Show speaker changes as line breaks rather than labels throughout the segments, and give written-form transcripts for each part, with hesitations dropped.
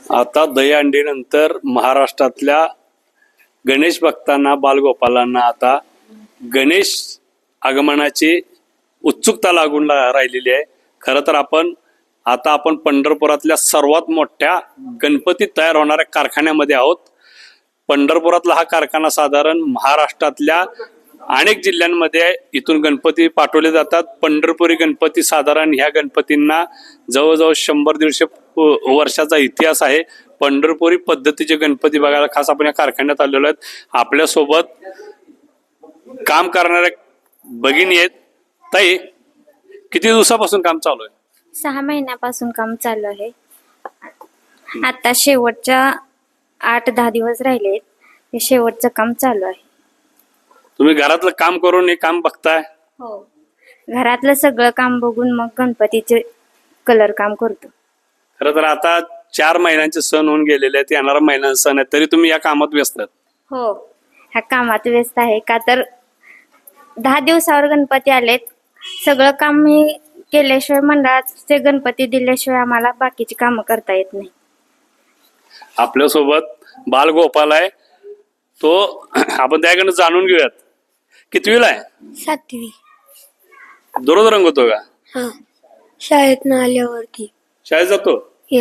आता दहीहंडी नंतर महाराष्ट्रातल्या गणेश भक्तांना बालगोपालांना आता गणेश आगमनाची उत्सुकता लागून राहिलेली आहे. खरं तर आपण पंढरपुरातल्या सर्वात मोठ्या गणपती तयार होणाऱ्या कारखान्यामध्ये आहोत. पंढरपुरातला हा कारखाना साधारण महाराष्ट्रातल्या अनेक जिल्ह्यांमध्ये इथून गणपती पाठवले जातात. पंढरपुरी गणपती साधारण ह्या गणपतींना जवळजवळ 100-150 वर्षाचा इतिहास आहे. पंढरपुरी पद्धतीचे गणपती बघायला खास आपण या कारखान्यात आलेलो आहेत. आपल्यासोबत काम करणाऱ्या भगिनी आहेत. ताई, किती दिवसापासून काम चालू आहे?
6 महिन्यापासून काम चालू आहे. आता शेवटच्या 8-10 दिवस राहिलेत. हे शेवटचं काम चालू आहे.
तुम्ही घरातलं काम करून हे काम बघताय?
हो, घरातलं सगळं काम बघून मग गणपतीचे कलर काम करतो.
खरं तर आता 4 महिन्यांचे सण होऊन गेलेले आहेत. येणारा महिन्यांचा सण आहे, तरी तुम्ही या कामात व्यस्त आहात.
हो, ह्या कामात व्यस्त आहे. का तर 10 दिवसावर गणपती आलेत. सगळं काम मी केल्याशिवाय, मंडळाचे गणपती दिल्याशिवाय आम्हाला बाकीची कामं करता येत नाही.
आपल्यासोबत बालगोपाल आहे. तो आपण त्याकडनं जाणून घेऊयात. कितवीला आहे?
7वी.
दररोज रंगवतो का?
हा, शाळेत आल्यावरती.
शाळेत जातो?
या,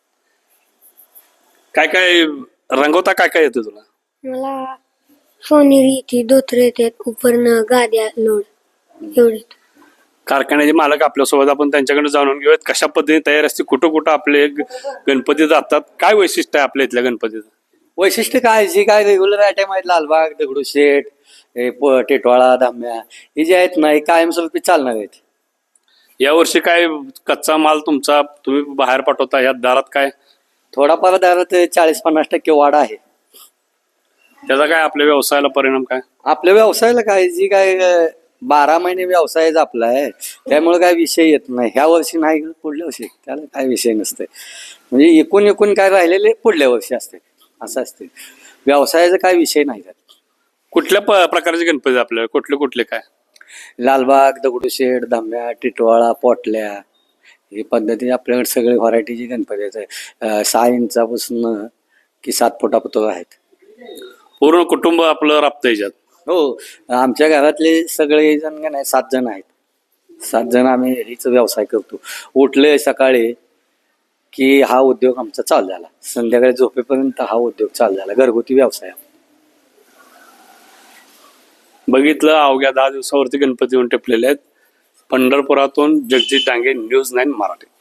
काय काय रंगवता? काय काय येतं तुला?
मला सोनेरी येते, धोतर येतात, उपरनं गाद्या लोड एवढे.
कारखान्याचे मालक आपल्यासोबत, आपण त्यांच्याकडे जाणून घेऊयात कशा पद्धतीने तयार असते, कुठं कुठं आपले गणपती जातात, काय वैशिष्ट्य आहे आपल्या इथल्या गणपतीचं.
वैशिष्ट्य काय, जी काय रेग्युलर आयटम आहेत, लालबाग, दगडूशेठ, टिटवाळा, धाम्या, हे जे आहेत ना, हे कायमस्वरूपी चालणार आहेत.
यावर्षी काय कच्चा माल तुमचा तुम्ही बाहेर पाठवता, या दारात काय
थोडाफार दरात 40-50% वाढ आहे.
त्याचा काय आपल्या व्यवसायाला परिणाम काय?
आपल्या व्यवसायाला काय, जी काय 12 महिने व्यवसायच आपला आहे, त्यामुळे काय विषय येत नाही. ह्या वर्षी नाही, पुढल्या वर्षी त्याला काय विषय नसते. म्हणजे एकूण काय राहिलेले पुढल्या वर्षी असते, असं असते. व्यवसायाचा काय विषय नाही.
कुठल्या प्रकारचे गणपती आपल्याला, कुठले कुठले काय?
लालबाग, दगडूशेठ, धाम्या, टिटवाळा, पोटल्या, ही पद्धती आपल्याकडे सगळे व्हरायटीचे गणपती आहेत. 6 इंचापासून की 7 फुटापर्यंत आहेत.
पूर्ण कुटुंब आपलं राबतं याच्यात?
हो, आमच्या घरातले सगळे जण का नाही 7 जण आहेत. 7 जण आम्ही हीच व्यवसाय करतो. उठले सकाळी की हा उद्योग आमचा चालू झाला, संध्याकाळी झोपेपर्यंत हा उद्योग चालू झाला. घरगुती व्यवसाय.
बघितलं, अवघ्या 10 दिवसावरती गणपती येऊन टेपलेले आहेत. पंढरपुरातून जगजित डांगे, न्यूज 9 मराठी.